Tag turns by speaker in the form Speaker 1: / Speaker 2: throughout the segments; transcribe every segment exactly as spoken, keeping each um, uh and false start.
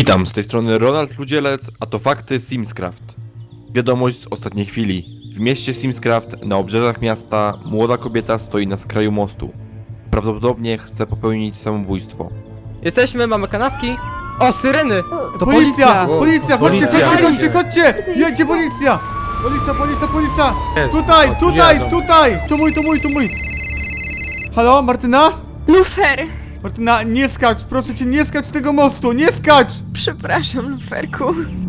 Speaker 1: Witam, z tej strony Ronald Ludzielec, a to fakty Simscraft. Wiadomość z ostatniej chwili. W mieście Simscraft, na obrzeżach miasta, młoda kobieta stoi na skraju mostu. Prawdopodobnie chce popełnić samobójstwo.
Speaker 2: Jesteśmy, mamy kanapki. O, syreny! To
Speaker 3: Policja!
Speaker 2: policja!
Speaker 3: Policja! Chodźcie,
Speaker 1: Policja.
Speaker 3: chodźcie, chodźcie, chodźcie! Jedzie policja! Policja, policja, policja!
Speaker 1: Jest.
Speaker 3: Tutaj,
Speaker 1: O,
Speaker 3: tutaj,
Speaker 1: jadą.
Speaker 3: tutaj! To mój, to mój, to mój! Halo, Martyna?
Speaker 4: Lufer!
Speaker 3: Martyna, nie skacz, proszę cię, nie skacz z tego mostu, nie skacz!
Speaker 4: Przepraszam, Luferku.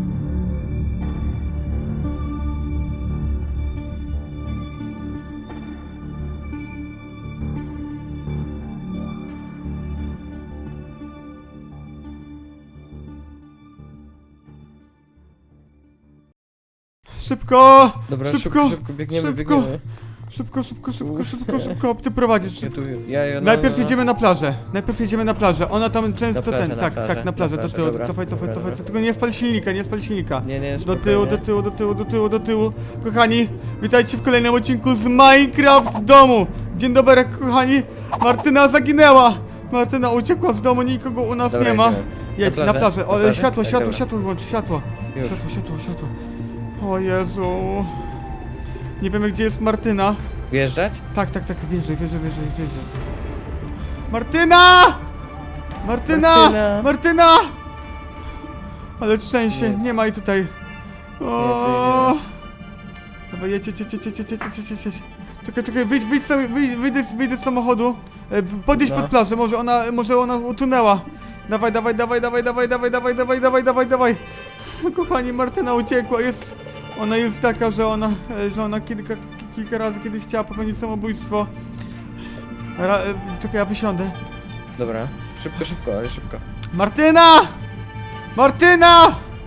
Speaker 3: Szybko!
Speaker 5: Dobra,
Speaker 3: szybko,
Speaker 5: szybko, szybko, biegniemy,
Speaker 3: szybko.
Speaker 5: biegniemy.
Speaker 3: Szybko, szybko, szybko, szybko, szybko, ty prowadzisz.
Speaker 5: Ja tu, ja, ja, no,
Speaker 3: Najpierw
Speaker 5: no, no.
Speaker 3: jedziemy na plażę, najpierw jedziemy na plażę, ona tam często
Speaker 5: Na plażę,
Speaker 3: ten,
Speaker 5: na
Speaker 3: tak,
Speaker 5: plażę,
Speaker 3: tak, na plażę,
Speaker 5: na
Speaker 3: do
Speaker 5: plażę,
Speaker 3: tyłu,
Speaker 5: dobra.
Speaker 3: cofaj, cofaj,
Speaker 5: Dobra,
Speaker 3: cofaj,
Speaker 5: dobra.
Speaker 3: tylko nie spal silnika, nie spal silnika.
Speaker 5: Nie, nie,
Speaker 3: Do
Speaker 5: spokojnie.
Speaker 3: tyłu, do tyłu, do tyłu, do tyłu, do tyłu, do tyłu. Kochani, witajcie w kolejnym odcinku z Minecraft domu. Dzień dobry, kochani. Martyna zaginęła. Martyna uciekła z domu, nikogo u nas
Speaker 5: Dobra,
Speaker 3: nie ma.
Speaker 5: jedziemy.
Speaker 3: Jedź,
Speaker 5: Na
Speaker 3: na
Speaker 5: plażę?
Speaker 3: plażę.
Speaker 5: Na
Speaker 3: O,
Speaker 5: plażę?
Speaker 3: światło,
Speaker 5: Tak,
Speaker 3: światło,
Speaker 5: dobra.
Speaker 3: światło włącz, światło.
Speaker 5: Już.
Speaker 3: Światło, światło, światło. O Jezu. Nie wiemy, gdzie jest Martyna.
Speaker 5: Wjeżdżać?
Speaker 3: Tak, tak, tak, wjeżdżaj, wjeżdżaj, wjeżdżaj, wjeżdżaj. Martyna! Martyna!
Speaker 5: Martyna!
Speaker 3: Martyna! Ale szczęście,
Speaker 5: Nie.
Speaker 3: nie ma jej tutaj.
Speaker 5: tu
Speaker 3: O!
Speaker 5: jej nie
Speaker 3: Dawaj, jedź, jedź, jedź, jedź, jedź, jedź, jedź, jedź, jedź. Czekaj, czekaj, wyjdź, wyjdź, sobie, wyjdź, wyjdź, wyjdź z samochodu. E, w- Podjedź
Speaker 5: No.
Speaker 3: pod plażę, może ona, może ona utonęła. Dawaj, dawaj, dawaj, dawaj, dawaj, dawaj, dawaj, dawaj, dawaj, dawaj, dawaj. Kochani, Martyna uciekła, jest... Ona jest taka, że ona, e, że ona kilka, kilka razy kiedyś chciała popełnić samobójstwo. Ra, e, czekaj, ja wysiądę.
Speaker 5: Dobra, szybko, szybko, ale szybko.
Speaker 3: Martyna! Martyna!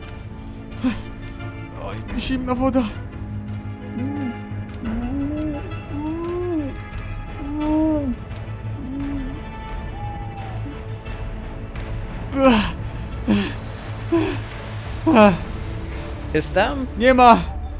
Speaker 3: Oj, zimna woda. Ech,
Speaker 5: Jest tam?
Speaker 3: nie ma!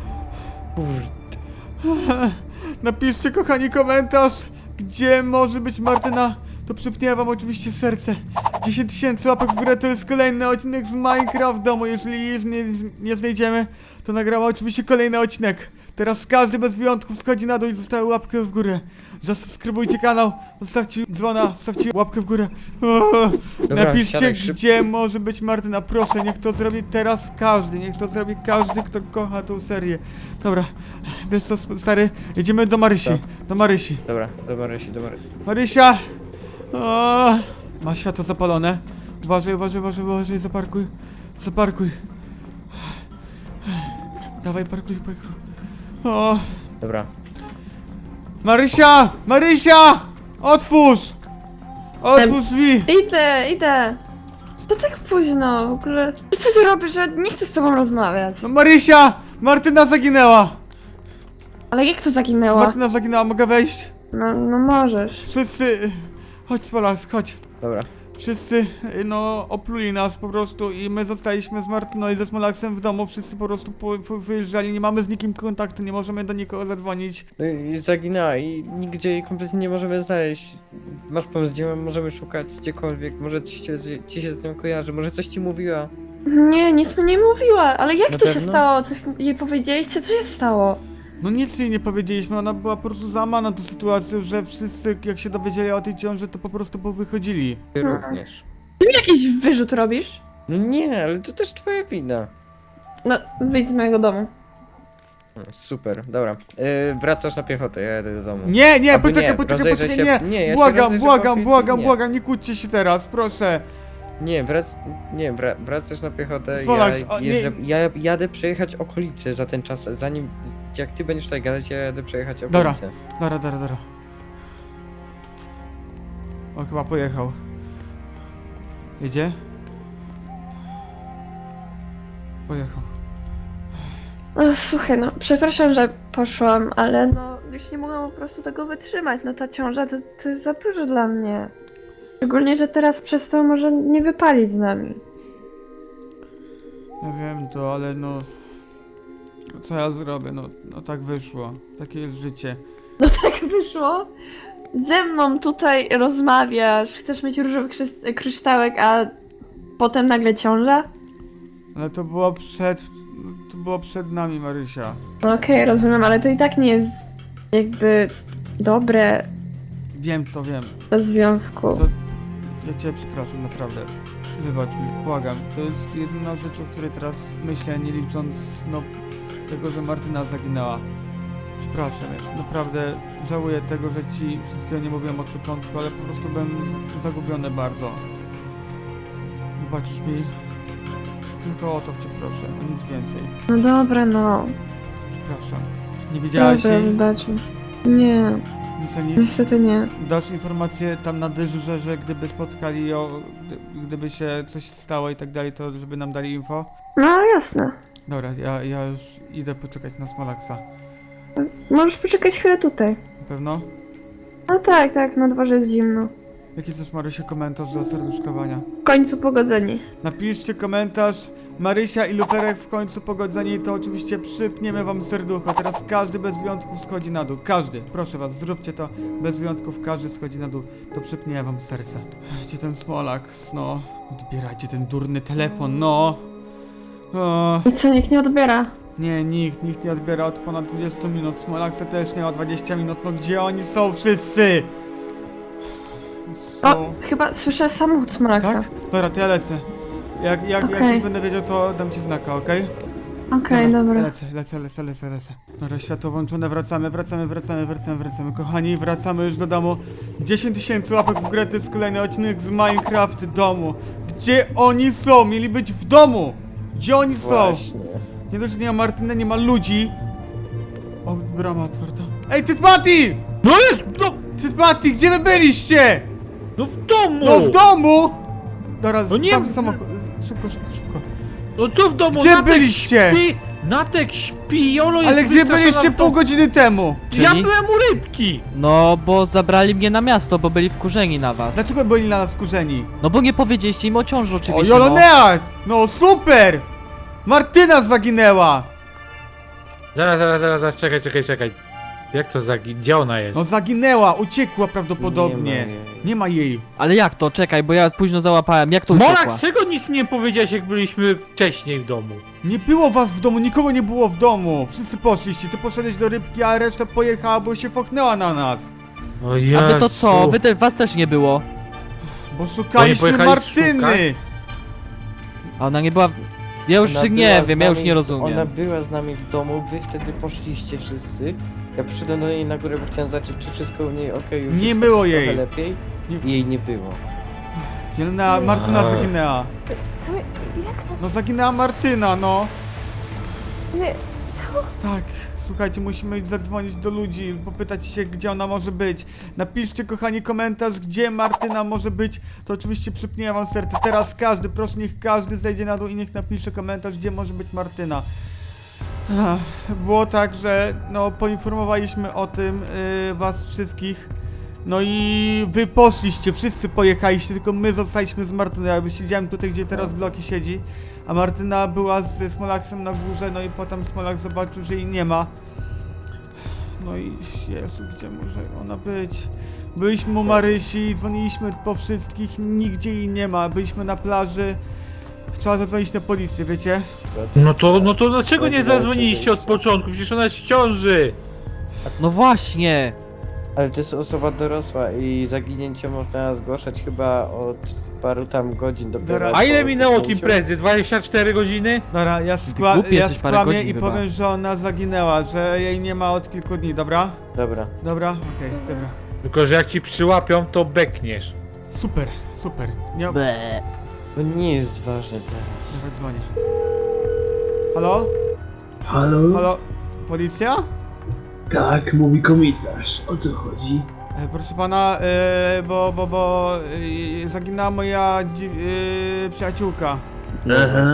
Speaker 5: Kurde.
Speaker 3: Napiszcie, kochani, komentarz, gdzie może być Martyna. To przypnie wam oczywiście serce. dziesięć tysięcy łapek w górę to jest kolejny odcinek z Minecraft domu. Jeżeli jej nie, nie znajdziemy, to nagramy oczywiście kolejny odcinek. Teraz każdy bez wyjątków schodzi na dół i zostawia łapkę w górę. Zasubskrybujcie kanał, zostawcie dzwona, zostawcie łapkę w górę. O,
Speaker 5: Dobra,
Speaker 3: napiszcie,
Speaker 5: siadaj szybko.
Speaker 3: gdzie może być Martyna. Proszę, niech to zrobi teraz każdy. Niech to zrobi każdy, kto kocha tą serię. Dobra, wiesz co, stary? Jedziemy do Marysi. Do Marysi.
Speaker 5: Dobra, do Marysi, do Marysi.
Speaker 3: Marysia! O, ma światło zapalone. Uważaj, uważaj, uważaj, uważaj, zaparkuj. Zaparkuj. Dawaj, parkuj, parkuj. O,
Speaker 5: Dobra.
Speaker 3: Marysia! Marysia! Otwórz! Otwórz drzwi!
Speaker 4: Idę, idę. To tak późno, w ogóle. Co ty robisz? Ja nie chcę z tobą rozmawiać.
Speaker 3: No Marysia! Martyna zaginęła!
Speaker 4: Ale jak to zaginęło?
Speaker 3: Martyna zaginęła, mogę wejść?
Speaker 4: No, no możesz.
Speaker 3: Wszyscy... Chodź, Polask, chodź.
Speaker 5: Dobra.
Speaker 3: Wszyscy, y, no, opluli nas po prostu i my zostaliśmy z Martyną i ze Smolaksem w domu. Wszyscy po prostu po, po wyjeżdżali, nie mamy z nikim kontaktu, nie możemy do nikogo zadzwonić.
Speaker 5: No i zaginęła i nigdzie jej kompletnie nie możemy znaleźć. Masz pomysł, gdzie możemy szukać, gdziekolwiek. Może coś ci, ci się z nią kojarzy, może coś ci mówiła.
Speaker 4: Nie, nic mi nie mówiła, ale jak
Speaker 5: Na
Speaker 4: to się
Speaker 5: pewno?
Speaker 4: stało? Coś jej powiedzieliście? Co się stało?
Speaker 3: No nic jej nie powiedzieliśmy, ona była po prostu załamana tą sytuacją, że wszyscy jak się dowiedzieli o tej ciąży, to po prostu powychodzili.
Speaker 5: Ty
Speaker 4: Mhm.
Speaker 5: również.
Speaker 4: Ty mi jakiś wyrzut robisz?
Speaker 5: No nie, ale to też twoja wina.
Speaker 4: No, wyjdź z mojego domu.
Speaker 5: No, super, dobra. Yy, wracasz na piechotę, ja jadę do domu.
Speaker 3: Nie, nie,
Speaker 5: Albo
Speaker 3: poczekaj,
Speaker 5: nie,
Speaker 3: poczekaj,
Speaker 5: rozejrzę
Speaker 3: poczekaj,
Speaker 5: się-
Speaker 3: nie!
Speaker 5: nie, ja się
Speaker 3: błagam,
Speaker 5: rozejrzę po
Speaker 3: błagam,
Speaker 5: okolicy,
Speaker 3: błagam,
Speaker 5: nie.
Speaker 3: błagam, nie kłóćcie się teraz, proszę.
Speaker 5: Nie, wrac... nie wra... wracasz na piechotę,
Speaker 3: Smolaks,
Speaker 5: ja,
Speaker 3: o, nie-
Speaker 5: jeżdżę... ja jadę przejechać okolice za ten czas, zanim, jak ty będziesz tutaj gadać, ja jadę przejechać
Speaker 3: Dobra.
Speaker 5: okolice.
Speaker 3: Dara, dara, dara. On chyba pojechał. Jedzie? Pojechał.
Speaker 4: No, słuchaj, no, przepraszam, że poszłam, ale no, już nie mogłam po prostu tego wytrzymać. No, ta ciąża to, to jest za dużo dla mnie. Szczególnie, że teraz przez to może nie wypalić z nami.
Speaker 3: Ja wiem to, ale no... Co ja zrobię? No, no tak wyszło. Takie jest życie.
Speaker 4: No tak wyszło. Ze mną tutaj rozmawiasz, chcesz mieć różowy krzysz- kryształek, a potem nagle ciąża?
Speaker 3: Ale to było przed... To było przed nami, Marysia.
Speaker 4: No okej, rozumiem, ale to i tak nie jest jakby dobre
Speaker 3: Wiem, to wiem.
Speaker 4: do związku.
Speaker 3: To... Ja cię przepraszam, naprawdę. Wybacz mi, błagam. To jest jedyna rzecz, o której teraz myślę, nie licząc, no, tego, że Martyna zaginęła. Przepraszam, ja naprawdę żałuję tego, że ci wszystkiego nie mówiłem od początku, ale po prostu byłem z- zagubiony bardzo. Wybaczysz mi? Tylko o to cię proszę, o nic więcej.
Speaker 4: No dobra, no.
Speaker 3: Przepraszam. Nie widziałaś
Speaker 4: Dobra,
Speaker 3: jej?
Speaker 4: wybaczę. Nie,
Speaker 3: Nic ani...
Speaker 4: niestety nie.
Speaker 3: Dasz informację tam na dyżurze, że gdyby spotkali ją, gdy, gdyby się coś stało i tak dalej, to żeby nam dali info?
Speaker 4: No jasne.
Speaker 3: Dobra, ja, ja już idę poczekać na Smolaksa.
Speaker 4: Możesz poczekać chwilę tutaj.
Speaker 3: Na pewno?
Speaker 4: No tak, tak, na dworze jest zimno.
Speaker 3: Jaki chcesz, Marysiu, komentarz do serduszkowania?
Speaker 4: W końcu pogodzeni.
Speaker 3: Napiszcie komentarz Marysia i Luferek w końcu pogodzeni i to oczywiście przypniemy wam serducho. Teraz każdy bez wyjątków schodzi na dół. Każdy, proszę was, zróbcie to bez wyjątków, każdy schodzi na dół. To przypnie wam serce. Gdzie ten Smolaks, no? Odbierajcie ten durny telefon, no! O,
Speaker 4: I co, nikt nie odbiera?
Speaker 3: nie, nikt, nikt nie odbiera od ponad dwudziestu minut. Smolaksa też nie ma dwadzieścia minut, no gdzie oni są wszyscy? Są...
Speaker 4: O, chyba słyszę samochód Smolaksa.
Speaker 3: Tak? Dobra, to ja lecę. Jak, jak, jak
Speaker 4: Okej.
Speaker 3: coś będę wiedział, to dam ci znaka, okej?
Speaker 4: Okej, dobra.
Speaker 3: Lecę, lecę, lecę, lecę, lecę. Dobra, światło włączone, wracamy, wracamy, wracamy, wracamy, wracamy. Kochani, wracamy już do domu. dziesięć tysięcy łapek w grę, to jest kolejny odcinek z Minecraft domu. Gdzie oni są? Mieli być w domu! Gdzie oni są?
Speaker 5: Właśnie.
Speaker 3: Nie dość, że nie ma Martyny, nie ma ludzi. O, brama otwarta. Ej, ty Patty!
Speaker 2: No jest, no,
Speaker 3: Ty Patty, gdzie wy byliście?
Speaker 2: no w domu!
Speaker 3: No w domu! Dobra,
Speaker 2: No nie-
Speaker 3: sam, samochód. Szybko, szybko, szybko.
Speaker 2: No co w domu?
Speaker 3: Gdzie
Speaker 2: Natek
Speaker 3: byliście?
Speaker 2: Śpi, Natek śpi, Jolo jest
Speaker 3: Ale gdzie
Speaker 2: wystraszona
Speaker 3: byliście
Speaker 2: w
Speaker 3: pół
Speaker 2: domu.
Speaker 3: godziny temu?
Speaker 2: Ja
Speaker 6: Czyli?
Speaker 2: byłem u rybki!
Speaker 6: No, bo zabrali mnie na miasto, bo byli wkurzeni na was.
Speaker 3: Dlaczego byli na nas wkurzeni?
Speaker 6: No bo nie powiedzieliście im o ciąży
Speaker 3: O,
Speaker 6: oczywiście,
Speaker 3: Jolonea! No super! Martyna zaginęła!
Speaker 2: Zaraz, zaraz, zaraz, zaraz, czekaj, czekaj, czekaj. Jak to zagi... Gdzie ona jest?
Speaker 3: No zaginęła, uciekła prawdopodobnie.
Speaker 5: Nie ma jej.
Speaker 3: Nie ma jej.
Speaker 6: no. Ale jak to? Czekaj, bo ja późno załapałem. Jak to uciekła?
Speaker 2: Morak, czego nic mi nie powiedziałeś, jak byliśmy wcześniej w domu?
Speaker 3: Nie było was w domu, nikogo nie było w domu. Wszyscy poszliście, ty poszedłeś do rybki, a reszta pojechała, bo się fochnęła na nas.
Speaker 2: O
Speaker 6: A
Speaker 2: Jezu.
Speaker 6: wy to co? Wy te, was też nie było.
Speaker 3: Bo szukaliśmy
Speaker 2: pojechali
Speaker 3: Martyny!
Speaker 2: szukać?
Speaker 6: A ona nie była w... Ja już
Speaker 5: Ona
Speaker 6: nie
Speaker 5: była z
Speaker 6: wiem, ja już
Speaker 5: nami-
Speaker 6: nie rozumiem.
Speaker 5: Ona była z nami w domu, wy wtedy poszliście wszyscy. Ja przyszedłem do niej na górę, bo chciałem zobaczyć, czy wszystko u niej okej już
Speaker 3: Nie
Speaker 5: jest
Speaker 3: było
Speaker 5: trochę
Speaker 3: jej.
Speaker 5: lepiej.
Speaker 3: Nie-
Speaker 5: I jej nie było.
Speaker 3: Jelena, Martyna
Speaker 2: Eee.
Speaker 3: zaginęła.
Speaker 4: Co? Jak to?
Speaker 3: No zaginęła Martyna, no.
Speaker 4: Nie, co?
Speaker 3: Tak, słuchajcie, musimy zadzwonić do ludzi, popytać się, gdzie ona może być. Napiszcie, kochani, komentarz, gdzie Martyna może być. To oczywiście przypnie wam serce. Teraz każdy, proszę, niech każdy zejdzie na dół i niech napisze komentarz, gdzie może być Martyna. Ach, było tak, że no poinformowaliśmy o tym yy, was wszystkich. No i wy poszliście, wszyscy pojechaliście, tylko my zostaliśmy z Martyną. Ja siedziałem tutaj, gdzie teraz Bloki siedzi, a Martyna była z Smolaksem na górze, no i potem Smolak zobaczył, że jej nie ma. No i Jezu, gdzie może ona być? Byliśmy u Marysi, dzwoniliśmy po wszystkich, nigdzie jej nie ma. Byliśmy na plaży. Trzeba zadzwonić na policję, wiecie?
Speaker 2: No to, no to dlaczego nie zadzwoniliście od początku? Przecież ona jest w ciąży!
Speaker 6: No właśnie!
Speaker 5: Ale to jest osoba dorosła i zaginięcie można zgłaszać chyba od paru tam godzin do
Speaker 3: Dobra.
Speaker 2: A ile
Speaker 5: po
Speaker 2: minęło od
Speaker 5: zaginięciu.
Speaker 2: imprezy? dwadzieścia cztery godziny?
Speaker 3: Dobra, ja,
Speaker 6: Ty
Speaker 3: skła
Speaker 6: głupi
Speaker 3: ja
Speaker 6: jesteś, parę
Speaker 3: skłamię
Speaker 6: godzin
Speaker 3: i
Speaker 6: chyba.
Speaker 3: powiem, że ona zaginęła, że jej nie ma od kilku dni, dobra?
Speaker 5: Dobra.
Speaker 3: Dobra? Okej, dobra.
Speaker 2: Tylko, że jak ci przyłapią, to bekniesz.
Speaker 3: Super, super. Nie...
Speaker 6: Ble.
Speaker 5: To nie jest ważne teraz.
Speaker 3: Dobra, dzwonię. Halo?
Speaker 7: Halo?
Speaker 3: Halo? Policja?
Speaker 7: Tak, mówi komisarz. O co chodzi?
Speaker 3: E, proszę pana, e, bo, bo, bo e, zaginęła moja dzi- e, przyjaciółka.
Speaker 7: Aha.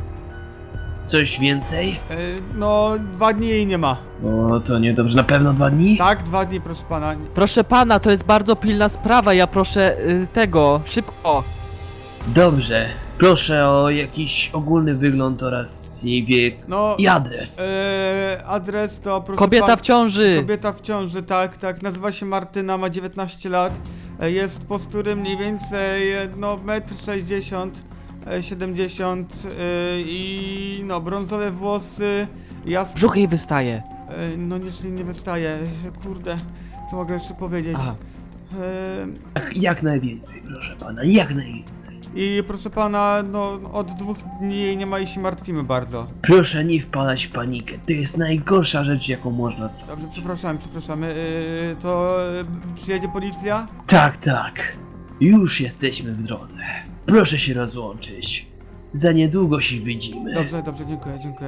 Speaker 7: Coś więcej?
Speaker 3: E, no, dwa dni jej nie ma.
Speaker 7: O, to niedobrze. Na pewno dwa dni?
Speaker 3: Tak, dwa dni, proszę pana.
Speaker 6: Proszę pana, to jest bardzo pilna sprawa, ja proszę y, tego, szybko.
Speaker 7: Dobrze. Proszę o jakiś ogólny wygląd oraz jej wiek
Speaker 3: No,
Speaker 7: i adres.
Speaker 3: e, adres to proszę
Speaker 6: Kobieta
Speaker 3: pan-
Speaker 6: w ciąży!
Speaker 3: Kobieta w ciąży, tak, tak. Nazywa się Martyna, ma dziewiętnaście lat. E, Jest postury mniej więcej, e, no, metr sześćdziesiąt. e, siedemdziesiąt e, i no brązowe włosy, jas...
Speaker 6: Brzuch jej wystaje.
Speaker 3: E, no nie, nie wystaje, e, kurde, co mogę jeszcze powiedzieć?
Speaker 6: Aha.
Speaker 3: E,
Speaker 7: Jak, jak najwięcej, proszę pana, jak najwięcej.
Speaker 3: I proszę pana, no od dwóch dni jej nie ma i się martwimy bardzo.
Speaker 7: Proszę nie wpadać w panikę, to jest najgorsza rzecz, jaką można zrobić.
Speaker 3: Dobrze, przepraszamy, przepraszamy, e, to e, przyjedzie policja?
Speaker 7: Tak, tak. Już jesteśmy w drodze. Proszę się rozłączyć. Za niedługo się widzimy.
Speaker 3: Dobrze, dobrze, dziękuję, dziękuję.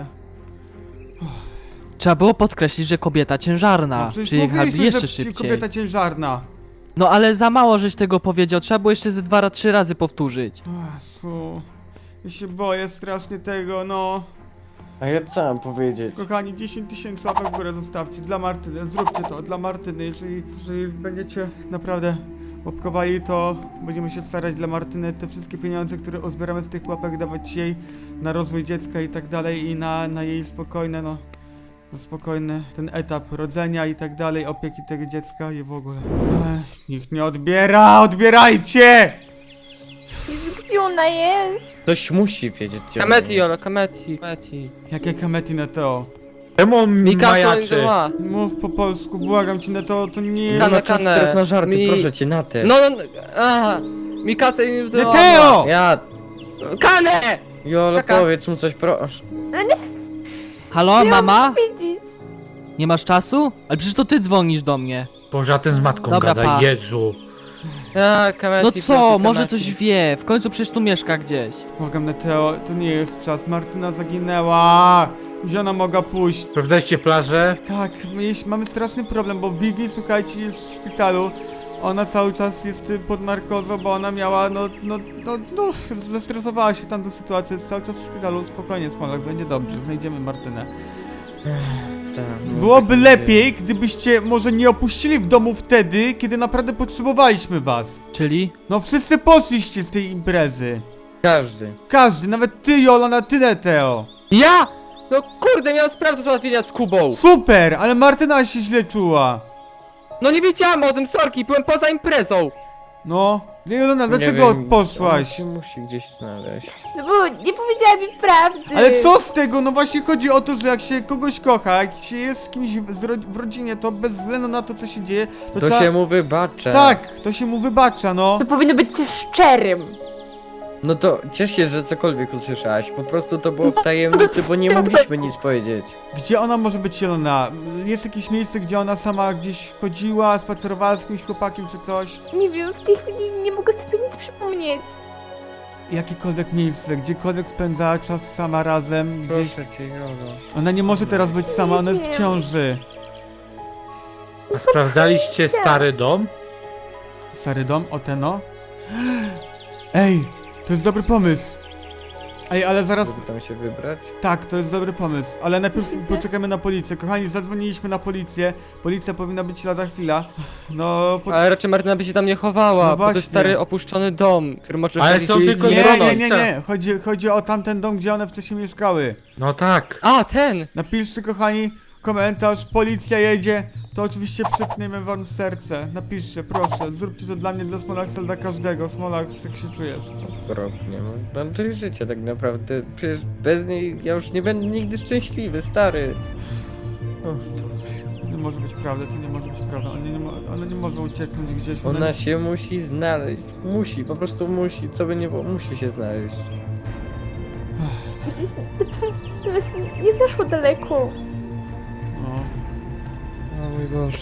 Speaker 6: Trzeba było podkreślić, że kobieta ciężarna.
Speaker 3: No przecież
Speaker 6: Przyjechali
Speaker 3: mówiliśmy,
Speaker 6: jeszcze
Speaker 3: że
Speaker 6: szybciej.
Speaker 3: kobieta ciężarna.
Speaker 6: No ale za mało żeś tego powiedział, trzeba było jeszcze ze dwa, trzy razy powtórzyć.
Speaker 3: Jezu, ja się boję strasznie tego, no.
Speaker 5: A ja co mam powiedzieć?
Speaker 3: Kochani, dziesięć tysięcy łapek w górę zostawcie dla Martyny, zróbcie to dla Martyny, jeżeli, jeżeli będziecie naprawdę łapkowali, to będziemy się starać dla Martyny te wszystkie pieniądze, które uzbieramy z tych łapek, dawać jej na rozwój dziecka i tak dalej i na, na jej spokojne, no, na spokojny ten etap rodzenia i tak dalej, opieki tego dziecka i w ogóle. Ech, nikt nie odbiera, odbierajcie!
Speaker 4: Gdzie ona jest?
Speaker 5: Ktoś musi wiedzieć, gdzie ona
Speaker 8: Kameti,
Speaker 5: jest.
Speaker 8: Jolo, kameti, kameti.
Speaker 3: Jakie kamety Neteo?
Speaker 2: Czemu on
Speaker 8: Mikasa
Speaker 2: majaczy?
Speaker 8: ma.
Speaker 3: Mów po polsku, błagam cię Neteo, to nie jest...
Speaker 5: Nie ma
Speaker 8: Kanę,
Speaker 5: czasu
Speaker 8: kanę.
Speaker 5: teraz na żarty,
Speaker 8: Mi-
Speaker 5: proszę cię, na te.
Speaker 8: No, no, aha. Mikasa i...
Speaker 3: Neteo!
Speaker 5: Ja,
Speaker 8: Kanę!
Speaker 5: Jolo,
Speaker 8: Taka.
Speaker 5: powiedz mu coś, proszę.
Speaker 6: Halo, mama?
Speaker 4: Widzieć.
Speaker 6: Nie masz czasu? Ale przecież to ty dzwonisz do mnie.
Speaker 2: Boże, a ten z matką
Speaker 6: Dobra,
Speaker 2: gada,
Speaker 6: pa.
Speaker 2: Jezu.
Speaker 8: A, kameti,
Speaker 6: No co,
Speaker 8: kameti.
Speaker 6: może coś wie, w końcu przecież tu mieszka gdzieś.
Speaker 3: Błagam Neteo, to nie jest czas, Martyna zaginęła! Gdzie ona mogła pójść?
Speaker 2: Sprawdzaliście plażę?
Speaker 3: Tak, mieliśmy, mamy straszny problem, bo Vivi, słuchajcie, jest w szpitalu. Ona cały czas jest y, pod narkozą, bo ona miała, no, no, no, no, zestresowała się tam do sytuacji, jest cały czas w szpitalu, spokojnie, Smolak, będzie dobrze, znajdziemy Martynę.
Speaker 5: Tak, no,
Speaker 3: Byłoby
Speaker 5: tak
Speaker 3: lepiej, gdybyście może nie opuścili w domu wtedy, kiedy naprawdę potrzebowaliśmy was.
Speaker 6: Czyli?
Speaker 3: No wszyscy poszliście z tej imprezy.
Speaker 5: Każdy.
Speaker 3: Każdy, nawet ty, Jolana, ty, Neteo.
Speaker 8: Ja! No kurde, miałem sprawę do załatwienia z Kubą.
Speaker 3: Super, ale Martyna się źle czuła.
Speaker 8: No nie wiedziałem o tym, sorki, byłem poza imprezą.
Speaker 3: No, Jolana,
Speaker 5: Nie
Speaker 3: dlaczego
Speaker 5: wiem,
Speaker 3: poszłaś?
Speaker 5: On się musi gdzieś znaleźć.
Speaker 4: No bo nie powiedziała mi prawdy.
Speaker 3: Ale co z tego? No właśnie chodzi o to, że jak się kogoś kocha, jak się jest z kimś w, z ro w rodzinie, to bez względu na to, co się dzieje, to,
Speaker 5: To
Speaker 3: trzeba...
Speaker 5: się mu wybacza.
Speaker 3: Tak, to się mu wybacza, no.
Speaker 4: To powinno być szczerym.
Speaker 5: No to ciesz się, że cokolwiek usłyszałaś. Po prostu to było w tajemnicy, bo nie mogliśmy nic powiedzieć.
Speaker 3: Gdzie ona może być Jelona? Jest jakieś miejsce, gdzie ona sama gdzieś chodziła, spacerowała z jakimś chłopakiem czy coś?
Speaker 4: Nie wiem, w tej chwili nie mogę sobie nic przypomnieć.
Speaker 3: Jakiekolwiek miejsce, gdziekolwiek spędzała czas sama razem, gdzieś...
Speaker 5: Proszę cię, Jolo.
Speaker 3: Ona nie może teraz być sama, ona jest w
Speaker 4: Nie.
Speaker 3: ciąży.
Speaker 2: A sprawdzaliście stary dom?
Speaker 3: Stary dom, Oteno? Ej, to jest dobry pomysł. Ej, ale zaraz...
Speaker 5: Żeby tam się wybrać?
Speaker 3: Tak, to jest dobry pomysł, ale najpierw poczekamy na policję. Kochani, zadzwoniliśmy na policję. Policja powinna być lada chwila. No, po...
Speaker 8: Ale raczej Martyna by się tam nie chowała,
Speaker 3: No
Speaker 8: bo to
Speaker 3: właśnie.
Speaker 8: jest stary opuszczony dom, który może
Speaker 2: Ale
Speaker 8: wchodzić
Speaker 2: są
Speaker 8: gdzieś
Speaker 2: tylko
Speaker 8: z
Speaker 3: Nie,
Speaker 2: Zbrono.
Speaker 3: nie,
Speaker 8: Mironos.
Speaker 3: nie, nie. Chodzi, chodzi o tamten dom, gdzie one wcześniej mieszkały.
Speaker 2: No tak.
Speaker 8: A, ten!
Speaker 3: Napiszcie, kochani, komentarz. Policja jedzie. To oczywiście przypniemy wam serce. Napiszcie, proszę. Zróbcie to dla mnie, dla Smolaxa, dla każdego. Smolax, jak się czujesz?
Speaker 5: Okropnie, no. Mam tyle życia tak naprawdę. Przecież bez niej ja już nie będę nigdy szczęśliwy, stary. O,
Speaker 3: To nie może być prawda, to nie może być prawda. Ona nie, mo ona nie może ucieknąć gdzieś.
Speaker 5: ona się musi znaleźć. Musi, po prostu musi. Co by nie było, musi się znaleźć.
Speaker 4: Gdzieś naprawdę jest- nie zaszło daleko.
Speaker 3: No.
Speaker 8: O mój Boże.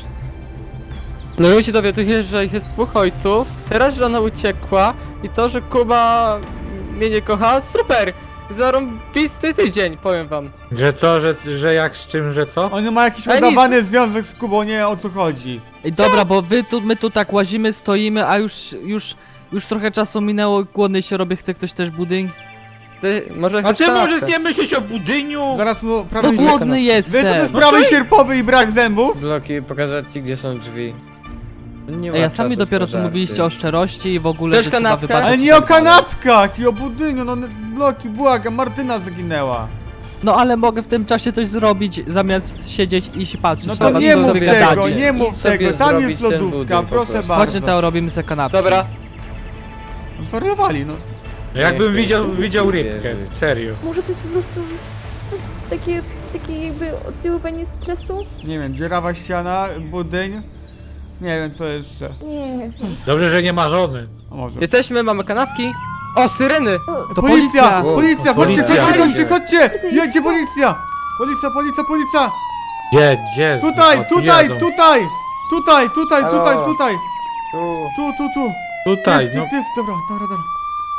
Speaker 8: No ludzie dowiaduje, że ich jest dwóch ojców, teraz, że ona uciekła i to, że Kuba mnie nie kocha, super! Zarąbisty tydzień, powiem wam.
Speaker 2: Że co, że, że jak z czym, że co?
Speaker 3: On ma jakiś
Speaker 8: Ale
Speaker 3: udawany związek z Kubą, nie o co chodzi.
Speaker 6: Ej, dobra, bo wy tu, my tu tak łazimy, stoimy, a już, już, już trochę czasu minęło, głodny się robię, chce ktoś też budyń?
Speaker 8: Ty, może
Speaker 2: A
Speaker 8: chcesz
Speaker 2: ty
Speaker 8: kanapkę?
Speaker 2: możesz nie myśleć o budyniu?
Speaker 3: Zaraz mu
Speaker 6: No
Speaker 3: prawy się...
Speaker 6: głodny
Speaker 3: Wiesz co to
Speaker 6: jestem!
Speaker 3: jest prawy sierpowy i brak zębów?
Speaker 5: Bloki, pokazać ci, gdzie są drzwi. Nie ma
Speaker 6: Ej, a sami
Speaker 5: czasu
Speaker 6: dopiero
Speaker 5: na
Speaker 6: co
Speaker 5: żarty.
Speaker 6: mówiliście o szczerości i w ogóle,
Speaker 8: Też
Speaker 6: że trzeba
Speaker 8: kanapkę?
Speaker 6: wybaczyć.
Speaker 3: Ale nie o kanapkach i o budyniu, no bloki, błagam, Martyna zaginęła.
Speaker 6: No ale mogę w tym czasie coś zrobić, zamiast siedzieć i się patrzeć.
Speaker 3: No
Speaker 6: na
Speaker 3: to
Speaker 6: was,
Speaker 3: nie
Speaker 6: co
Speaker 3: mów
Speaker 6: wy
Speaker 3: tego,
Speaker 6: gadacie.
Speaker 3: nie mów
Speaker 5: Idź sobie
Speaker 3: tego, tam
Speaker 5: zrobić
Speaker 3: jest
Speaker 5: ten
Speaker 3: lodówka,
Speaker 5: budyń po
Speaker 3: proszę
Speaker 5: prostu.
Speaker 3: bardzo.
Speaker 6: Chodźmy, Teo, robimy sobie kanapki.
Speaker 8: Dobra.
Speaker 3: Zwariowali, no.
Speaker 2: No jakbym
Speaker 5: chcę
Speaker 2: widział,
Speaker 5: się
Speaker 2: widział
Speaker 5: nie
Speaker 2: rybkę,
Speaker 5: wierzyć.
Speaker 2: serio.
Speaker 9: Może to jest po prostu s- s- takie, takie jakby oddziaływanie stresu?
Speaker 3: Nie wiem, dziurawa ściana, budyń. Nie wiem co jeszcze.
Speaker 9: Nie wiem.
Speaker 2: Dobrze, że nie ma żony.
Speaker 3: A może.
Speaker 8: Jesteśmy, mamy kanapki. O, syreny!
Speaker 6: To
Speaker 3: Policja!
Speaker 6: policja!
Speaker 3: Policja! Chodźcie,
Speaker 2: Policja.
Speaker 3: chodźcie, chodźcie, chodźcie! Jedzie policja! Policja, policja, policja!
Speaker 2: Gdzie, gdzie?
Speaker 3: Tutaj,
Speaker 2: O, tu
Speaker 3: tutaj,
Speaker 2: jadą.
Speaker 3: tutaj! Tutaj, tutaj,
Speaker 5: Halo.
Speaker 3: tutaj, tutaj!
Speaker 5: Tu.
Speaker 3: Tu, tu, tu!
Speaker 2: Tutaj,
Speaker 3: Jest,
Speaker 2: no.
Speaker 3: jest, jest, dobra, dobra, dobra.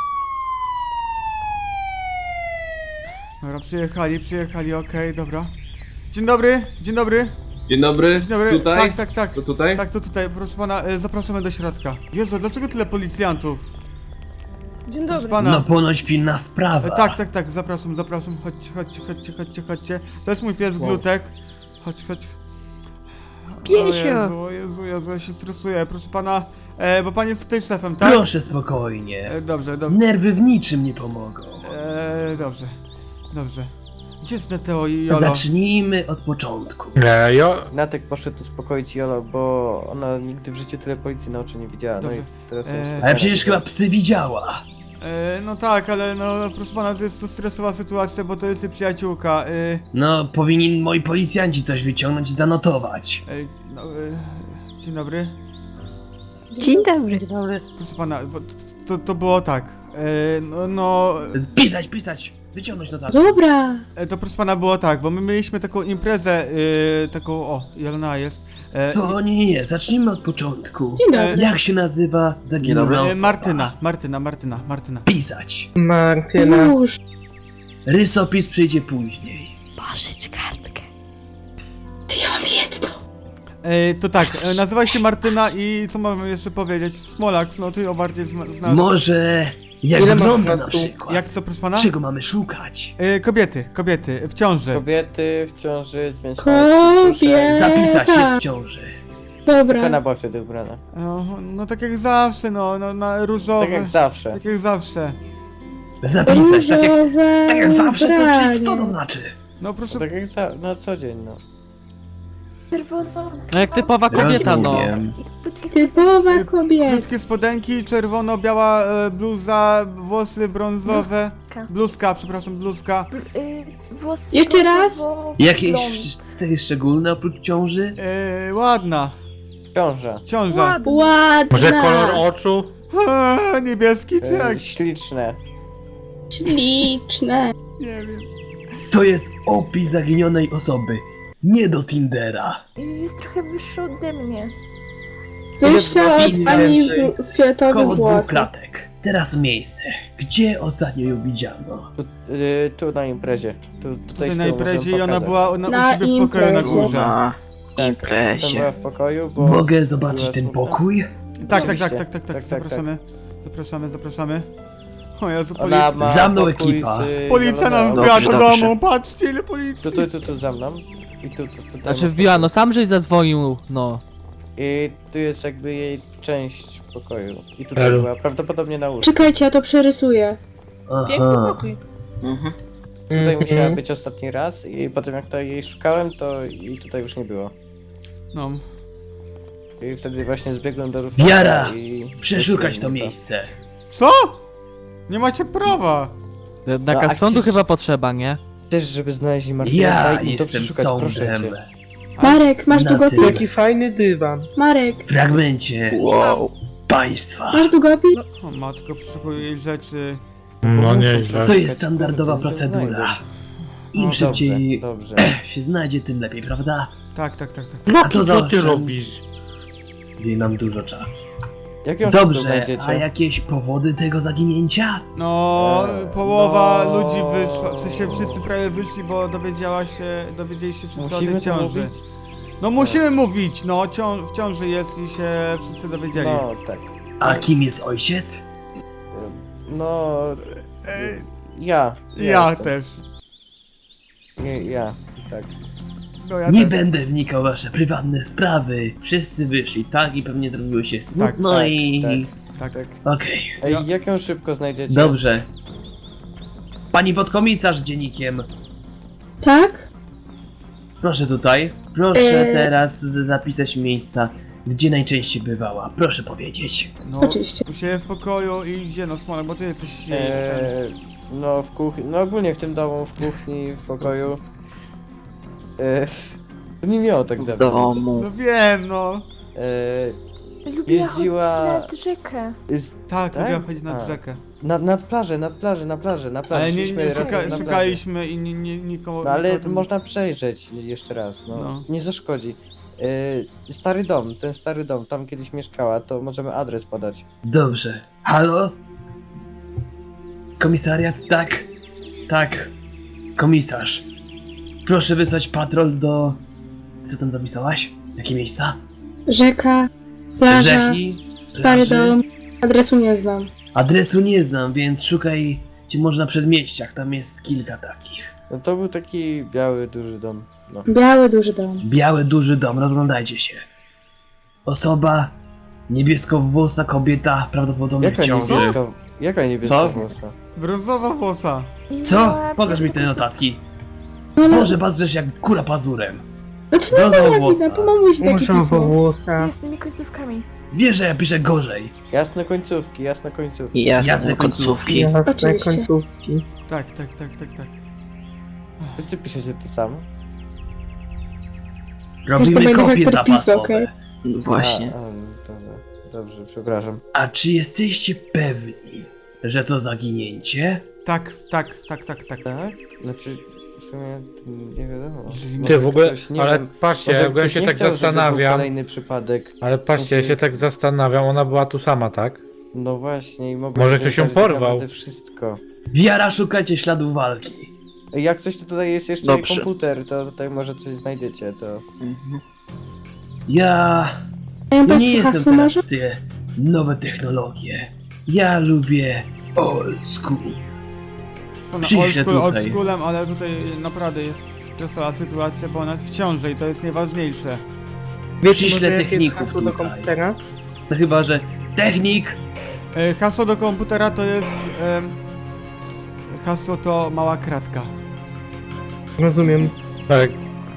Speaker 3: Dobra, przyjechali, przyjechali, okej, dobra. Dzień dobry, dzień dobry,
Speaker 10: Dzień dobry,
Speaker 3: dzień dobry.
Speaker 10: tutaj?
Speaker 3: Tak, tak, tak.
Speaker 10: To tutaj?
Speaker 3: Tak, to tutaj, proszę pana, e, zapraszamy do środka. Jezu, dlaczego tyle policjantów?
Speaker 9: Dzień
Speaker 3: Proszę
Speaker 9: dobry.
Speaker 3: pana.
Speaker 7: No ponoć pilna sprawa.
Speaker 3: E, tak, tak, tak, zapraszam, zapraszam. Chodźcie, chodźcie, chodźcie, chodźcie, chodźcie. To jest mój pies Glutek. Chodź, chodź. O
Speaker 9: Piesio.
Speaker 3: Jezu, o Jezu, Jezu, ja się stresuję. Proszę pana, e, bo pan jest tutaj szefem, tak?
Speaker 7: Proszę spokojnie.
Speaker 3: E, dobrze, dobrze.
Speaker 7: Nerwy w niczym nie pomogą.
Speaker 3: E, dobrze, dobrze. Gdzie jest Neteo i Jolo?
Speaker 7: Zacznijmy od początku.
Speaker 2: Nie, jo...
Speaker 5: Natek poszedł uspokoić Jolo, bo ona nigdy w życiu tyle policji na oczy nie widziała. No i
Speaker 3: Dobrze.
Speaker 5: teraz
Speaker 3: Eee,
Speaker 7: Ale przecież chyba psy widziała.
Speaker 3: E, no tak, ale no proszę pana, to jest to stresowa sytuacja, bo to jest jej przyjaciółka. E,
Speaker 7: No, powinni moi policjanci coś wyciągnąć i zanotować.
Speaker 3: e, no, e, dzień dobry.
Speaker 9: Dzień dobry. Dzień dobry.
Speaker 3: Proszę pana, bo t- to, to było tak. E, no, no
Speaker 7: Pisać, pisać, wyciągnąć notatki.
Speaker 9: Dobra.
Speaker 3: e, to proszę pana było tak, bo my mieliśmy taką imprezę, e, taką, o, Jelona jest. E,
Speaker 7: To nie, nie, nie, zacznijmy od początku.
Speaker 9: Dzień
Speaker 3: dobry.
Speaker 9: dobry.
Speaker 7: Jak się nazywa zaginiona
Speaker 3: e,
Speaker 7: osoba?
Speaker 3: Martyna, Martyna, Martyna, Martyna.
Speaker 7: Pisać.
Speaker 8: Martyna.
Speaker 9: Już.
Speaker 7: Rysopis przyjdzie później.
Speaker 9: Pożyć kartkę. Ja mam jedną.
Speaker 3: E, to tak, e, nazywa się Martyna i co mamy jeszcze powiedzieć? Smolak, no ty ją bardziej zna- znasz.
Speaker 7: Może jak
Speaker 8: Ile masz
Speaker 7: wygląda
Speaker 8: lat
Speaker 7: na
Speaker 8: tu?
Speaker 7: przykład?
Speaker 3: Jak co, proszę pana?
Speaker 7: Czego mamy szukać?
Speaker 3: E, kobiety, kobiety, w ciąży.
Speaker 5: Kobiety w ciąży, więc
Speaker 9: Kobiet.
Speaker 7: Zapisać
Speaker 9: tak.
Speaker 7: jest w ciąży.
Speaker 9: Dobra.
Speaker 5: Kana była wtedy ubrana.
Speaker 3: No, no tak jak zawsze, no, no na różowe.
Speaker 5: Tak jak zawsze.
Speaker 3: Tak jak zawsze.
Speaker 7: Zapisać, tak jak,
Speaker 9: Różowe
Speaker 7: tak jak zawsze, to
Speaker 9: ubranie.
Speaker 7: czy, co to znaczy?
Speaker 3: No proszę.
Speaker 5: Tak jak za, na co dzień, no.
Speaker 9: Czerwono.
Speaker 6: No jak typowa kobieta, no.
Speaker 7: Rozumiem.
Speaker 9: Typowa kobieta.
Speaker 3: Krótkie spodenki, czerwono-biała e, bluza, włosy brązowe.
Speaker 9: Bluzka.
Speaker 3: Bluzka, przepraszam, bluzka.
Speaker 9: Y, włosy
Speaker 11: Jeszcze raz?
Speaker 9: brązowo-
Speaker 7: Jakieś
Speaker 9: blond.
Speaker 7: cechy szczególne oprócz ciąży?
Speaker 3: E, ładna.
Speaker 5: Ciąża.
Speaker 3: Ciąża.
Speaker 9: Ładna.
Speaker 11: Ładna.
Speaker 2: Może kolor oczu?
Speaker 3: Eee, niebieski czy jak?
Speaker 5: E, śliczne.
Speaker 11: Śliczne.
Speaker 3: Nie wiem.
Speaker 7: To jest opis zaginionej osoby. Nie do Tindera.
Speaker 9: Jest trochę wyższy ode mnie.
Speaker 11: Wyższa od
Speaker 7: włosów?
Speaker 11: pani w- fioletowych
Speaker 7: Koło dwóch
Speaker 11: włosów.
Speaker 7: klatek. Teraz miejsce. Gdzie ostatnio ją widziano?
Speaker 5: Tu, y, tu na imprezie. Tu, tutaj
Speaker 3: Tutaj
Speaker 5: z
Speaker 3: na
Speaker 5: tyłu
Speaker 3: imprezie i
Speaker 5: możemy
Speaker 3: ona
Speaker 5: pokazać.
Speaker 3: była ona
Speaker 11: Na
Speaker 3: u siebie w pokoju na
Speaker 11: imprezie.
Speaker 3: górze.
Speaker 5: Tak, tam była w pokoju, bo...
Speaker 7: Mogę zobaczyć
Speaker 5: była
Speaker 7: ten
Speaker 5: smutna.
Speaker 7: pokój?
Speaker 3: Tak, tak,
Speaker 5: Oczywiście.
Speaker 3: tak, tak, tak, tak,
Speaker 5: Tak, tak,
Speaker 3: zapraszamy. Zapraszamy, zapraszamy. O Jezu, poli...
Speaker 5: Ona ma
Speaker 7: Za mną
Speaker 5: pokój
Speaker 7: ekipa.
Speaker 5: z
Speaker 3: policja nam
Speaker 5: Joloną.
Speaker 3: wbiła do
Speaker 7: dobrze.
Speaker 3: domu, patrzcie ile policji.
Speaker 5: Tu, tu, tu, tu za mną. I tu, tu, tu,
Speaker 6: Znaczy wbiła, no sam żeś zadzwonił, no.
Speaker 5: I tu jest jakby jej część pokoju. I tutaj
Speaker 2: Elu.
Speaker 5: była prawdopodobnie na łóżku.
Speaker 11: Czekajcie, ja to przerysuję.
Speaker 7: Aha.
Speaker 5: Tutaj musiała być ostatni raz i potem jak to jej szukałem, to i tutaj już nie było.
Speaker 3: No.
Speaker 5: I wtedy właśnie zbiegłem do Rufasa
Speaker 7: Wiara!
Speaker 5: i...
Speaker 7: Przeszukać to
Speaker 5: to.
Speaker 7: miejsce.
Speaker 3: Co? Nie macie prawa.
Speaker 6: Nakaz
Speaker 5: a
Speaker 6: sądu
Speaker 5: gdzieś-
Speaker 6: chyba potrzeba, nie?
Speaker 5: Też, żeby znaleźli Martynę,
Speaker 7: Ja
Speaker 5: daj im to
Speaker 7: jestem
Speaker 5: przeszukać, proszę
Speaker 7: sądem.
Speaker 5: cię.
Speaker 11: Marek, masz
Speaker 7: Na
Speaker 11: długopis?
Speaker 7: tyle.
Speaker 8: Jaki fajny dywan.
Speaker 11: Marek,
Speaker 7: W fragmencie
Speaker 10: Wow.
Speaker 7: państwa.
Speaker 11: masz długopis?
Speaker 3: O matko, przeszukuję jej rzeczy.
Speaker 2: No nieźle.
Speaker 7: To jest standardowa
Speaker 5: Kurde, to się
Speaker 7: procedura.
Speaker 5: znajdę.
Speaker 7: Im
Speaker 5: No,
Speaker 7: szybciej
Speaker 5: Dobrze, dobrze.
Speaker 7: się znajdzie, tym lepiej, prawda?
Speaker 3: Tak, tak, tak, tak. tak.
Speaker 2: No
Speaker 7: A to
Speaker 2: to co ty
Speaker 7: zawsze-
Speaker 2: robisz?
Speaker 7: Nie mam dużo czasu.
Speaker 5: Jak ją szybko
Speaker 7: Dobrze,
Speaker 5: znajdziecie?
Speaker 7: a jakieś powody tego zaginięcia?
Speaker 3: No,
Speaker 5: Eee,
Speaker 3: połowa
Speaker 5: no.
Speaker 3: ludzi wyszła, w sensie wszyscy prawie wyszli, bo dowiedziała się, dowiedzieli się wszyscy o
Speaker 5: Musimy
Speaker 3: tej
Speaker 5: to
Speaker 3: ciąży.
Speaker 5: mówić?
Speaker 3: No musimy mówić, no, cią w ciąży jest i się wszyscy dowiedzieli.
Speaker 5: No, tak.
Speaker 7: A kim jest ojciec?
Speaker 5: No...
Speaker 3: Ej,
Speaker 5: Ja.
Speaker 3: ja
Speaker 5: jestem.
Speaker 3: też.
Speaker 5: Nie, ja, tak.
Speaker 3: No ja
Speaker 7: Nie
Speaker 3: też.
Speaker 7: będę wnikał w wasze prywatne sprawy. Wszyscy wyszli, tak? I pewnie zrobiło się smutno
Speaker 5: tak,
Speaker 7: i...
Speaker 5: tak.
Speaker 3: Tak.
Speaker 7: Okej,
Speaker 5: Ej,
Speaker 3: Ja-
Speaker 5: jak ją szybko znajdziecie?
Speaker 7: dobrze. Pani podkomisarz z dziennikiem,
Speaker 11: Tak?
Speaker 7: proszę tutaj. Proszę
Speaker 11: Eee.
Speaker 7: teraz z- zapisać miejsca gdzie najczęściej bywała? Proszę powiedzieć.
Speaker 3: No,
Speaker 11: Oczywiście.
Speaker 3: u siebie w pokoju i gdzie no Smolak, bo ty jesteś... Eee...
Speaker 5: Eee, no w kuchni, no ogólnie w tym domu, w kuchni, w pokoju. Eee, nie miało tak zabrać.
Speaker 3: No wiem, no.
Speaker 5: Eee,
Speaker 9: Lubiła
Speaker 5: Jeździła-
Speaker 9: chodzić nad rzekę.
Speaker 5: z,
Speaker 3: Tak,
Speaker 5: Tak?
Speaker 3: lubię chodzić nad
Speaker 5: A.
Speaker 3: rzekę.
Speaker 5: nad, nad plażę, nad plażę, na plażę, na plażę.
Speaker 3: Ale nie,
Speaker 5: Szliśmy
Speaker 3: nie
Speaker 5: razem
Speaker 3: szuka,
Speaker 5: na plażę.
Speaker 3: szukaliśmy i nie, nie, nikogo...
Speaker 5: No ale
Speaker 3: nikogo tam-
Speaker 5: można przejrzeć jeszcze raz, no.
Speaker 3: No.
Speaker 5: Nie zaszkodzi. Eee, stary dom, ten stary dom, tam kiedyś mieszkała, to możemy adres podać.
Speaker 7: Dobrze. Halo? Komisariat? Tak. Tak. Komisarz. Proszę wysłać patrol do... Co tam zapisałaś? Jakie miejsca?
Speaker 11: Rzeka, plaża,
Speaker 7: Rzeki?
Speaker 11: stary
Speaker 7: plaży?
Speaker 11: dom. Adresu nie znam.
Speaker 7: Adresu nie znam, więc szukaj gdzie może na przedmieściach, tam jest kilka takich.
Speaker 5: No to był taki biały, duży dom. No.
Speaker 11: Biały, duży dom.
Speaker 7: Biały, duży dom, rozglądajcie się. Osoba, niebieskowłosa kobieta, prawdopodobnie
Speaker 5: Jaka
Speaker 7: w ciąży.
Speaker 5: niebieska, jaka niebieska
Speaker 7: Co?
Speaker 5: włosa?
Speaker 3: Brązowa włosa.
Speaker 9: I
Speaker 7: Co?
Speaker 9: miała
Speaker 7: Pokaż mi te
Speaker 9: piękne
Speaker 7: notatki.
Speaker 11: No ale...
Speaker 7: Boże, pazdrzesz jak kura pazurem.
Speaker 11: No to nie
Speaker 7: Brązowa
Speaker 11: ma jak
Speaker 7: włosa.
Speaker 11: widać, pomamuś taki pismo.
Speaker 9: końcówki z jasnymi końcówkami.
Speaker 7: Wiesz, że ja piszę gorzej.
Speaker 5: Jasne końcówki, jasne końcówki.
Speaker 7: Jasne końcówki.
Speaker 11: Oczywiście.
Speaker 3: Tak, tak, tak, tak, tak.
Speaker 5: Wszyscy piszecie to samo?
Speaker 7: Robimy
Speaker 11: Każdy ma
Speaker 7: kopie
Speaker 11: inny podpis,
Speaker 7: zapasowe.
Speaker 11: okej.
Speaker 5: Właśnie. A, a, dobra, dobrze, przepraszam.
Speaker 7: A czy jesteście pewni, że to zaginięcie?
Speaker 3: Tak, tak, tak, tak, tak.
Speaker 5: Tak? Znaczy, w sumie to nie wiadomo.
Speaker 3: Jeżeli
Speaker 5: Może
Speaker 2: Ty w ogóle,
Speaker 5: ktoś, nie
Speaker 2: ale
Speaker 5: wiem,
Speaker 2: patrzcie,
Speaker 5: może
Speaker 2: jak ja
Speaker 5: ktoś
Speaker 2: się
Speaker 5: nie
Speaker 2: tak
Speaker 5: chciał, żeby był
Speaker 2: zastanawiam,
Speaker 5: kolejny przypadek.
Speaker 2: ale patrzcie, ja się tak zastanawiam, ona była tu sama, tak?
Speaker 5: No właśnie, i mogło
Speaker 2: Może
Speaker 5: się
Speaker 2: ktoś ją
Speaker 5: zdarzyć tak
Speaker 2: porwał.
Speaker 5: naprawdę wszystko.
Speaker 7: Wiara, szukajcie śladów walki.
Speaker 5: Jak coś, to tutaj jest jeszcze
Speaker 6: Dobrze.
Speaker 5: komputer, to tutaj może coś znajdziecie, to...
Speaker 7: Ja
Speaker 11: Mają
Speaker 7: no nie
Speaker 11: państwo
Speaker 7: jestem
Speaker 11: hasło
Speaker 7: teraz
Speaker 11: może?
Speaker 7: w te nowe technologie. Ja lubię old school.
Speaker 3: Ona
Speaker 7: Przyjdzie
Speaker 3: old school, old
Speaker 7: tutaj.
Speaker 3: schoolem, ale tutaj naprawdę jest stresowa sytuacja, bo ona jest w ciąży i to jest najważniejsze.
Speaker 7: Przyślę techników tutaj. No chyba, że technik
Speaker 3: E, hasło do komputera to jest... em, hasło to mała kratka.
Speaker 8: Rozumiem.
Speaker 2: Tak.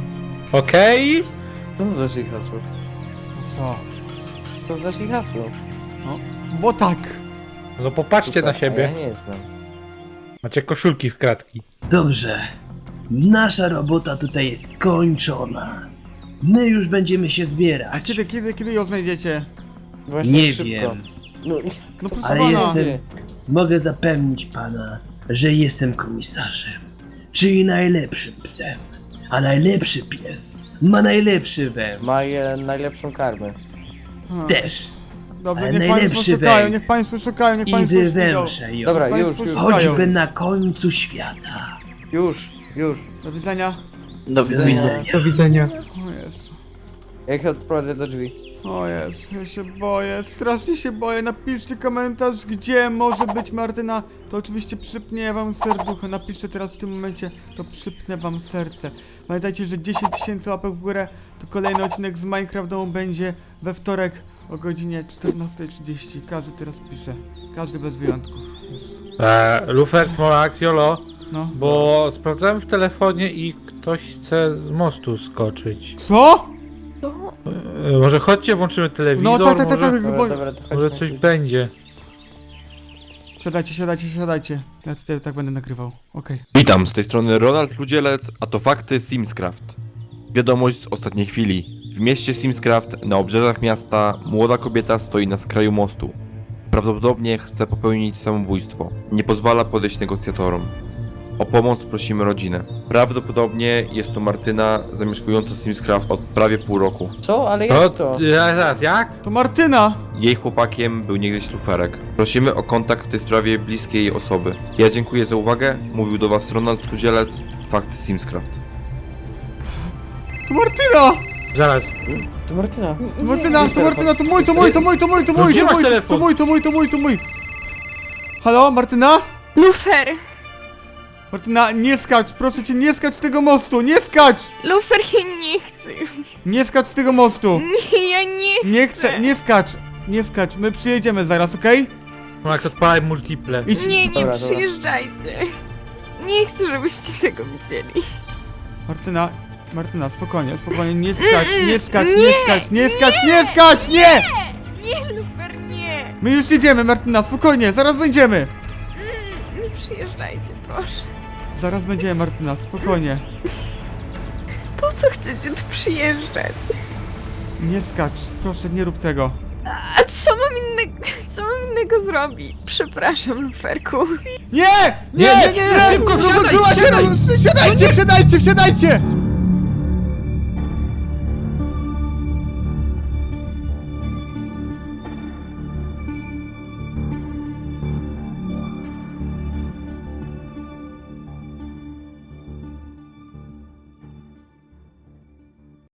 Speaker 2: Okej?
Speaker 5: Co to znaczy hasło?
Speaker 3: No co?
Speaker 5: Co to znaczy hasło?
Speaker 3: Bo tak.
Speaker 2: No popatrzcie na
Speaker 5: Super, a
Speaker 2: siebie.
Speaker 5: Ja nie znam.
Speaker 2: Macie koszulki w kratki.
Speaker 7: Dobrze. Nasza robota tutaj jest skończona. My już będziemy się
Speaker 3: A
Speaker 7: zbierać.
Speaker 3: kiedy, kiedy, kiedy ją znajdziecie?
Speaker 5: Właśnie
Speaker 7: Nie
Speaker 5: szybko.
Speaker 7: wiem.
Speaker 5: No,
Speaker 3: No proszę
Speaker 7: Ale
Speaker 3: pana.
Speaker 7: jestem. Mogę zapewnić pana, że jestem komisarzem. Czyli najlepszym psem. A najlepszy pies ma najlepszy węch.
Speaker 5: ma je najlepszą karmę.
Speaker 3: Ha,
Speaker 7: Też.
Speaker 3: Dobrze,
Speaker 7: ale
Speaker 3: niech państwo
Speaker 7: najlepszy
Speaker 3: szukają,
Speaker 7: węch.
Speaker 3: niech państwo szukają, niech
Speaker 7: I
Speaker 3: państwo szukają.
Speaker 7: wywęszę ją.
Speaker 5: Dobra, już,
Speaker 3: Państwo
Speaker 5: już,
Speaker 3: szukają.
Speaker 7: Choćby na końcu świata.
Speaker 5: już, już.
Speaker 3: Do widzenia.
Speaker 6: Do
Speaker 7: Do widzenia.
Speaker 8: Do widzenia.
Speaker 3: O Jezu.
Speaker 5: Jak odprowadzę do drzwi.
Speaker 3: O Jezu, ja się boję, strasznie się boję. Napiszcie komentarz, gdzie może być Martyna. To oczywiście przypnie wam serducho. Napiszcie teraz w tym momencie, to przypnę wam serce. Pamiętajcie, że dziesięć tysięcy łapek w górę to kolejny odcinek z Minecraft domu będzie we wtorek o godzinie czternastej trzydzieści. Każdy teraz pisze. Każdy bez wyjątków. Jezu.
Speaker 2: Eee, Lufer, Smolax, Jolo,
Speaker 3: No.
Speaker 2: bo sprawdzałem w telefonie i ktoś chce z mostu skoczyć.
Speaker 3: Co?
Speaker 9: To
Speaker 2: Eee, może chodźcie, włączymy telewizor,
Speaker 3: No tak, tak, tak,
Speaker 2: może,
Speaker 3: tak.
Speaker 5: Dobra,
Speaker 3: wo-
Speaker 5: dobra, to
Speaker 2: może
Speaker 5: chodźmy.
Speaker 2: coś będzie.
Speaker 3: Siadajcie, siadajcie, siadajcie. Ja tutaj tak będę nagrywał. Okej.
Speaker 1: Witam, z tej strony Ronald Ludzielec, a to fakty Simscraft. Wiadomość z ostatniej chwili. W mieście Simscraft, na obrzeżach miasta, młoda kobieta stoi na skraju mostu. Prawdopodobnie chce popełnić samobójstwo. Nie pozwala podejść negocjatorom. O pomoc prosimy rodzinę. Prawdopodobnie jest to Martyna, zamieszkująca Simscraft od prawie pół roku.
Speaker 5: Co? Ale
Speaker 2: To,
Speaker 5: jak to?
Speaker 2: teraz jak?
Speaker 3: To Martyna!
Speaker 1: Jej chłopakiem był niegdyś luferek. Prosimy o kontakt w tej sprawie bliskiej jej osoby. Ja dziękuję za uwagę. Mówił do was Ronald Ludzielec, fakty Simscraft.
Speaker 3: To Martyna!
Speaker 2: Zaraz.
Speaker 5: To Martyna.
Speaker 3: To Martyna, to Martyna, to mój, to mój, to mój, to mój, to mój,
Speaker 2: gdzie
Speaker 3: to
Speaker 2: masz
Speaker 3: mój, to
Speaker 2: telefon?
Speaker 3: mój, to mój, to mój, to mój. Halo, Martyna?
Speaker 4: Lufer!
Speaker 3: Martyna, nie skacz, proszę cię, nie skacz z tego mostu, nie skacz!
Speaker 4: Lufer, ja nie chcę.
Speaker 3: Nie skacz z tego mostu!
Speaker 4: Nie, ja nie
Speaker 3: Nie chcę, nie skacz, nie skacz, my przyjedziemy zaraz, okej?
Speaker 2: Smolax, odpalaj multiple.
Speaker 3: Idź.
Speaker 4: Nie, nie
Speaker 5: Dobra, dobra.
Speaker 4: przyjeżdżajcie. Nie chcę, żebyście tego widzieli.
Speaker 3: Martyna, Martyna, spokojnie, spokojnie, nie skacz, nie skacz, nie skacz, nie skacz, nie skacz, nie!
Speaker 10: Nie, Lufer, nie!
Speaker 3: My już jedziemy, Martyna, spokojnie, zaraz będziemy!
Speaker 10: Nie przyjeżdżajcie, proszę.
Speaker 3: Zaraz będziemy, Martyna, spokojnie.
Speaker 10: Po co chcecie tu przyjeżdżać?
Speaker 3: Nie skacz, proszę, nie rób tego.
Speaker 10: A co mam innego, co mam innego zrobić? Przepraszam, Luferku.
Speaker 3: Nie! Nie!
Speaker 2: Nie, nie, nie, szybko, wsiadaj,
Speaker 3: Rozłączyła się,
Speaker 2: wsiadaj!
Speaker 3: roz- Wsiadajcie, wsiadajcie, wsiadajcie!